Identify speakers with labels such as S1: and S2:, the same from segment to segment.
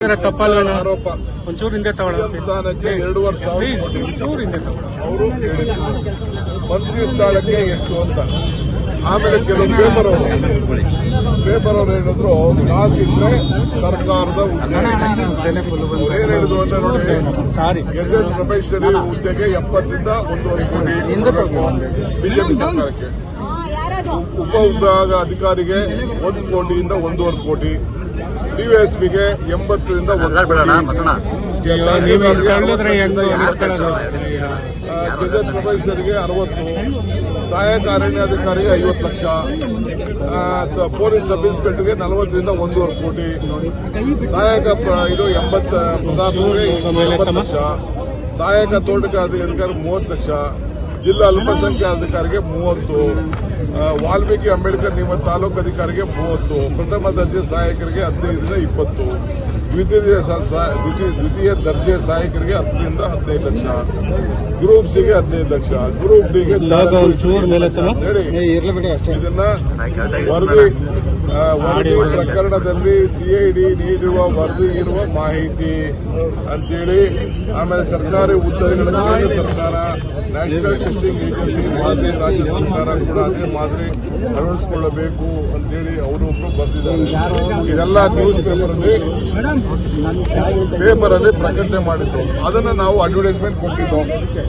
S1: ತಪ್ಪಲ್ವೇನ
S2: ಆರೋಪ
S1: ಒಂಚೂರು ಹಿಂದೆ ತಗೊಳ್ಳೋ
S2: ಸ್ಥಾನಕ್ಕೆ 2 ವರ್ಷ
S1: ಒಂಚೂರು ಹಿಂದೆ ತಗೊಳ್ಳೋ
S2: ಅವರು ಮಂತ್ರಿ ಸ್ಥಾನಕ್ಕೆ ಎಷ್ಟು ಅಂತ. ಆಮೇಲೆ ಕೆಲವು ಪೇಪರ್ ಅವರು ಹೇಳಿದ್ರು ಕಾಸಿದ್ರೆ ಸರ್ಕಾರದ ಹುದ್ದೆ. ಏನ್ ಹೇಳಿದ್ರು ಅಂತ ನೋಡಿ, ಗೆಜೆಟ್ ಪ್ರೊಬೇಷನರಿ ಹುದ್ದೆಗೆ 70 ರಿಂದ 1.5 ಕೋಟಿ ಬಿಜೆಪಿ ಸರ್ಕಾರಕ್ಕೆ, ಉಪ ವಿಭಾಗ ಅಧಿಕಾರಿಗೆ 1 ಕೋಟಿಯಿಂದ 1.5 ಕೋಟಿ, ಡಿವೈಎಸ್ಪಿಗೆ 80 ರಿಂದ 1 ಕೋಟಿ, ಗೆಜೆಟ್ ಪ್ರೊಬೇಷನರಿಗೆ 60, ಸಹಾಯಕ ಅರಣ್ಯಾಧಿಕಾರಿಗೆ 50 ಲಕ್ಷ, ಪೊಲೀಸ್ ಸಬ್ ಇನ್ಸ್ಪೆಕ್ಟರ್ಗೆ 40 ರಿಂದ 1.5 ಕೋಟಿ, ಸಹಾಯಕ 80 ಪ್ರಧಾನರಿಗೆ 80 ಲಕ್ಷ, ಸಹಾಯಕ ತೋಟಗಾರಿಕೆ ಅಧಿಕಾರಿ 30 ಲಕ್ಷ, ಜಿಲ್ಲಾ ಅಲ್ಪಸಂಖ್ಯಾತ ಅಧಿಕಾರಿಗೆ 30, ವಾಲ್ಮೀಕಿ ಅಂಬೇಡ್ಕರ್ ನಿಯಮ ತಾಲೂಕು ಅಧಿಕಾರಿಗೆ 30, ಪ್ರಥಮ ದರ್ಜೆ ಸಹಾಯಕರಿಗೆ 15 ರಿಂದ 20, ದ್ವಿತೀಯ ದರ್ಜೆ ಸಹಾಯಕರಿಗೆ 10 ರಿಂದ 15 ಲಕ್ಷ, ಗ್ರೂಪ್ ಸಿಗೆ 15 ಲಕ್ಷ, ಗ್ರೂಪ್ ಡಿಗೆ ಇದನ್ನ ವರದಿ ಪ್ರಕರಣದಲ್ಲಿ ಸಿಐಡಿ ನೀಡುವ ವರದಿ ಇರುವ ಮಾಹಿತಿ ಅಂತೇಳಿ. ಆಮೇಲೆ ಸರ್ಕಾರಿ ಹುದ್ದೆಗಳನ್ನು ಕೇಂದ್ರ ಸರ್ಕಾರ, ನ್ಯಾಷನಲ್ ಟೆಸ್ಟಿಂಗ್ ಏಜೆನ್ಸಿ ಮಾದರಿ ರಾಜ್ಯ ಸರ್ಕಾರ ಕೂಡ ಅದೇ ಮಾದರಿ ಅಳವಡಿಸಿಕೊಳ್ಳಬೇಕು ಅಂತೇಳಿ ಅವರೊಬ್ಬರು ಬರೆದಿದ್ದಾರೆ. ಇದೆಲ್ಲ ನ್ಯೂಸ್ ಪೇಪರ್ ಅಲ್ಲಿ ಪ್ರಕಟಣೆ ಮಾಡಿದ್ರು. ಅದನ್ನ ನಾವು ಅಡ್ವರ್ಟೈಸ್ಮೆಂಟ್ ಕೊಟ್ಟಿದ್ದು.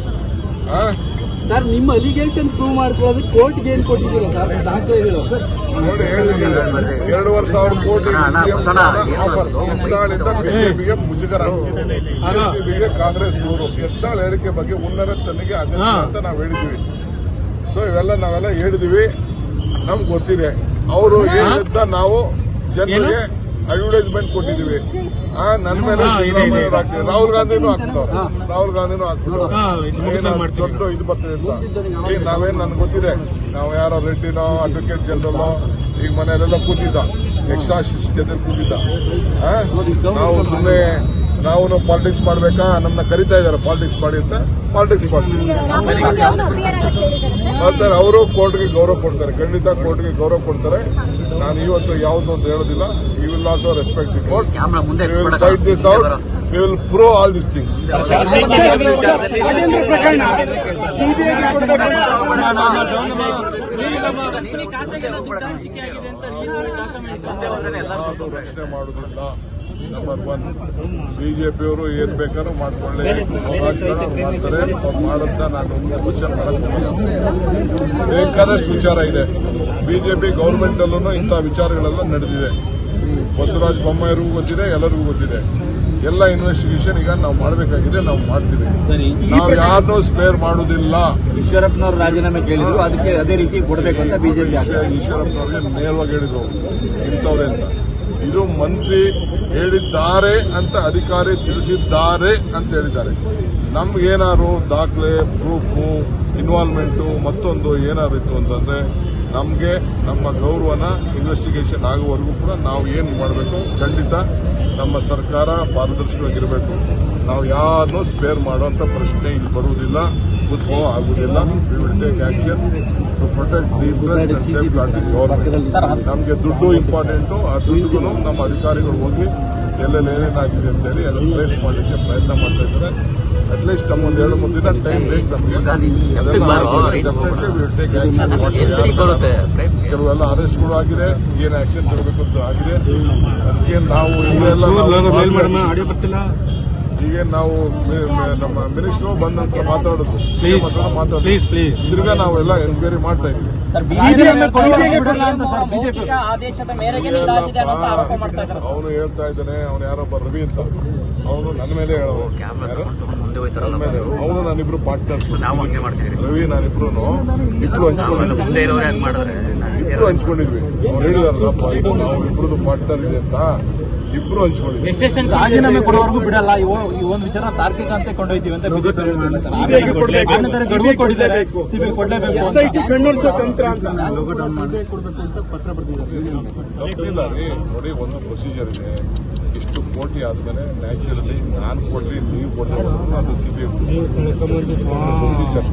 S3: ಸರ್, ನಿಮ್ಮ ಅಲಿಗೇಷನ್ ಪ್ರೂವ್ ಮಾಡ್ಕೊಳ್ಳೋದು ಕೋರ್ಟ್ಗೆ ಏನ್ ಕೊಟ್ಟಿದ್ದೀರಾ ಸರ್ ದಾಖಲೆಗಳು?
S2: ನೋಡಿ, 2,500 ಕೋಟಿ ಆಫರ್ ಯತ್ನಾಳಿಂದ ಬಿಜೆಪಿಗೆ ಮುಜುಗರ, ಬಿಜೆಪಿಗೆ ಕಾಂಗ್ರೆಸ್ ದೂರು. ಯತ್ನಾಳ್ ಹೇಳಿಕೆ ಬಗ್ಗೆ ಉನ್ನತ ತನಿಖೆ ಅಗತ್ಯ ಅಂತ ನಾವು ಹೇಳಿದ್ವಿ. ಸೊ ನಾವೆಲ್ಲ ಹೇಳಿದ್ವಿ, ನಮ್ಗೆ ಗೊತ್ತಿದೆ. ಅವರು ಹೇಳಿದ್ದ ನಾವು ಜನರಿಗೆ ಅಡ್ವರ್ಟೈಸ್ಮೆಂಟ್ ಕೊಟ್ಟಿದ್ದೀವಿ. ನನ್ನ ಮೇಲೆ ರಾಹುಲ್ ಗಾಂಧಿನೂ ಹಾಕ್ಬಿಟ್ಟು ದೊಡ್ಡ ಇದು ಬರ್ತದೆ ಅಂತ. ನಾವೇನು ನನ್ಗೆ ಗೊತ್ತಿದೆ, ನಾವು ಯಾರೋ ರೆಡ್ಡಿನೋ ಅಡ್ವೊಕೇಟ್ ಜನರಲ್ಲೋ ಈಗ ಮನೆಯಲ್ಲೆಲ್ಲ ಕೂತಿದ್ದ, ಎಕ್ಸ್ಟ್ರಾ ಜೊತೆ ಕೂತಿದ್ದ. ನಾವು ಸುಮ್ಮನೆ ನಾವು ಪಾಲಿಟಿಕ್ಸ್ ಮಾಡ್ಬೇಕಾ, ನಮ್ಮನ್ನ ಕರಿತಾ ಇದ್ದಾರೆ ಪಾಲಿಟಿಕ್ಸ್ ಮಾಡಿ ಅಂತ. ಪಾಲಿಟಿಕ್ಸ್ ಮಾಡ್ತೀವಿ ಮಾಡ್ತಾರೆ. ಅವರು ಕೋರ್ಟ್ಗೆ ಗೌರವ ಕೊಡ್ತಾರೆ, ಖಂಡಿತ ಕೋರ್ಟ್ಗೆ ಗೌರವ ಕೊಡ್ತಾರೆ. ನಾನು ಇವತ್ತು ಯಾವುದು ಅಂತ ಹೇಳೋದಿಲ್ಲ. You will also respect the court. We will fight this out. We will prove all this things. ರಕ್ಷಣೆ ಮಾಡುವುದಿಲ್ಲ. ನಂಬರ್ 1, ಬಿಜೆಪಿಯವರು ಏನ್ ಬೇಕಾದ್ರೂ ಮಾಡ್ಕೊಳ್ಳಿ, ರಾಜಕಾರಣ ಮಾಡ್ತಾರೆ. ಅವ್ರು ಮಾಡದ್ದ ನಾನು ಕ್ವಶನ್ ಮಾಡಕ್ ಬೇಕಾದಷ್ಟು ವಿಚಾರ ಇದೆ. ಬಿಜೆಪಿ ಗೌರ್ಮೆಂಟ್ ಅಲ್ಲೂ ಇಂಥ ವಿಚಾರಗಳೆಲ್ಲ ನಡೆದಿದೆ. ಬಸವರಾಜ ಬೊಮ್ಮಾಯಿರಿಗೂ ಗೊತ್ತಿದೆ, ಎಲ್ಲರಿಗೂ ಗೊತ್ತಿದೆ. ಎಲ್ಲ ಇನ್ವೆಸ್ಟಿಗೇಷನ್ ಈಗ ನಾವು ಮಾಡಬೇಕಾಗಿದೆ, ನಾವು ಮಾಡ್ತೀವಿ. ನಾವು ಯಾರನ್ನೂ ಸ್ಪೇರ್ ಮಾಡುವುದಿಲ್ಲ.
S3: ಈಶ್ವರಪ್ಪನವರು ರಾಜೀನಾಮೆ ಕೇಳಿದ್ರು, ಅದಕ್ಕೆ ಅದೇ ರೀತಿ ಕೊಡಬೇಕು ಅಂತ ಬಿಜೆಪಿ
S2: ಈಶ್ವರಪ್ಪನವ್ರಿಗೆ ನೇರವಾಗಿ ಹೇಳಿದ್ರು ಇಂಥವ್ರೆ ಅಂತ. ಇದು ಮಂತ್ರಿ ಹೇಳಿದ್ದಾರೆ ಅಂತ ಅಧಿಕಾರಿ ತಿಳಿಸಿದ್ದಾರೆ ಅಂತ ಹೇಳಿದ್ದಾರೆ. ನಮ್ಗೇನಾದ್ರು ದಾಖಲೆ, ಪ್ರೂಫು, ಇನ್ವಾಲ್ವ್ಮೆಂಟು ಮತ್ತೊಂದು ಏನಾದ್ರು ಇತ್ತು ಅಂತಂದ್ರೆ ನಮಗೆ ನಮ್ಮ ಗೌರವನ ಇನ್ವೆಸ್ಟಿಗೇಷನ್ ಆಗುವವರೆಗೂ ಕೂಡ ನಾವು ಏನು ಮಾಡಬೇಕು, ಖಂಡಿತ ನಮ್ಮ ಸರ್ಕಾರ ಪಾರದರ್ಶಕವಾಗಿರಬೇಕು. ನಾವು ಯಾರನ್ನೂ ಸ್ಪೇರ್ ಮಾಡುವಂತ ಪ್ರಶ್ನೆ ಇಲ್ಲಿ ಬರುವುದಿಲ್ಲ, ಉದ್ಭವ ಆಗುವುದಿಲ್ಲ. We will take action to protect the interest and safeguard the government. ನಮಗೆ ದುಡ್ಡು ಇಂಪಾರ್ಟೆಂಟು. ಆ ದುಡ್ಡುಗೂ ನಮ್ಮ ಅಧಿಕಾರಿಗಳು ಹೋಗಿ ಎಲ್ಲೆಲ್ಲಿ ಏನೇನಾಗಿದೆ ಅಂತೇಳಿ ಎಲ್ಲ ಟ್ರೇಸ್ ಮಾಡಲಿಕ್ಕೆ ಪ್ರಯತ್ನ ಮಾಡ್ತಾ ಇದ್ದಾರೆ. ಅಟ್ಲೀಸ್ಟ್ ನಮ್ಮೊಂದು 2-3 ದಿನ ಟೈಮ್ ಬೇಕು ನಮಗೆ. ಕೆಲವೆಲ್ಲ ಅರೆಸ್ಟ್ಗಳು ಆಗಿದೆ, ಏನ್ ಆಕ್ಷನ್ ತಗೋಬೇಕು ಅಂತ ಆಗಿದೆ. ಅದಕ್ಕೆ ನಾವು ಈಗ ನಾವು ನಮ್ಮ ಮಿನಿಸ್ಟರ್ ಬಂದ ನಂತರ ಮಾತಾಡೋದು, ತಿರ್ಗಾ ನಾವೆಲ್ಲ ಎನ್ಕ್ವೈರಿ ಮಾಡ್ತಾ ಇದೀವಿ. ಅವನು ಹೇಳ್ತಾ ಇದ್ದಾನೆ, ಅವನು ಯಾರೊಬ್ಬ ರವಿ ಅಂತ, ಅವನು ನನ್ನ ಮೇಲೆ ಹೇಳೋದು. ಅವನು ನಾನಿಬ್ರು ಪಾರ್ಟ್ನರ್ಸ್, ರವಿ ನಾನಿಬ್ರು ಹಂಚ್ಕೊಂಡಿದ್ವಿ. ಅವ್ರು ಹೇಳಿದಾರಪ್ಪ, ಇದು ನಾವು ಇಬ್ರದ್ದು ಪಾರ್ಟ್ನರ್ ಇದೆ ಅಂತ ಇಬ್ರು ಹಂಚ್ಕೊಂಡಿದ್ವಿ.
S3: ರಾಜೀನಾಮೆ ಕೊಡುವವರೆಗೂ ಬಿಡಲ್ಲ, ಈ ಒಂದು ವಿಚಾರ ತಾರ್ಕಿಕ ಅಂತ ಕೊಂಡೊಯ್ತೀವಿ ಅಂತ ಬಿಜೆಪಿ
S2: ತಪ್ಪಿಲ್ಲ ರೀ. ನೋಡಿ, ಒಂದು ಪ್ರೊಸೀಜರ್ ಇದೆ. ಇಷ್ಟು ಕೋಟಿ ಆದ್ಮೇಲೆ ನ್ಯಾಚುರಲಿ ನಾನು ಕೊಡ್ಲಿ, ನೀವು ಕೊಡ್ಲಿ, ಅದು ಸಿಬಿಐ ಪ್ರೊಸೀಜರ್.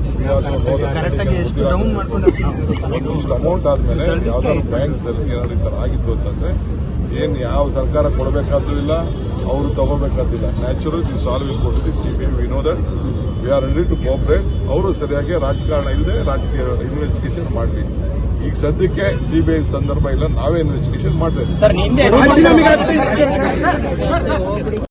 S2: ಇಷ್ಟು ಅಮೌಂಟ್ ಆದ್ಮೇಲೆ ಯಾವ್ದಾದ್ರು ಬ್ಯಾಂಕ್ಸ್ ಅಲ್ಲಿ ಏನಾದ್ರು ಈ ತರ ಆಗಿತ್ತು ಅಂತಂದ್ರೆ ಏನ್ ಯಾವ ಸರ್ಕಾರ ಕೊಡಬೇಕಾದಿಲ್ಲ, ಅವರು ತಗೋಬೇಕಾದಿಲ್ಲ. ನ್ಯಾಚುರಲ್ ಈ ಸಾಲ್ವ್ ಕೊಟ್ಟಿದ್ದು CBI. We know that we are ready to cooperate. ಅವರು ಸರಿಯಾಗಿ ರಾಜಕಾರಣ ಇಲ್ಲದೆ ರಾಜಕೀಯ ಇನ್ವೆಸ್ಟಿಗೇಷನ್ ಮಾಡಲಿ. ಈಗ ಸದ್ಯಕ್ಕೆ ಸಿಬಿಐ ಸಂದರ್ಭ ಇಲ್ಲ, ನಾವೇ ಇನ್ವೆಸ್ಟಿಗೇಷನ್ ಮಾಡ್ತಾ ಇದ್ದೀವಿ.
S3: ಸರ್, ನಿನ್ನೆ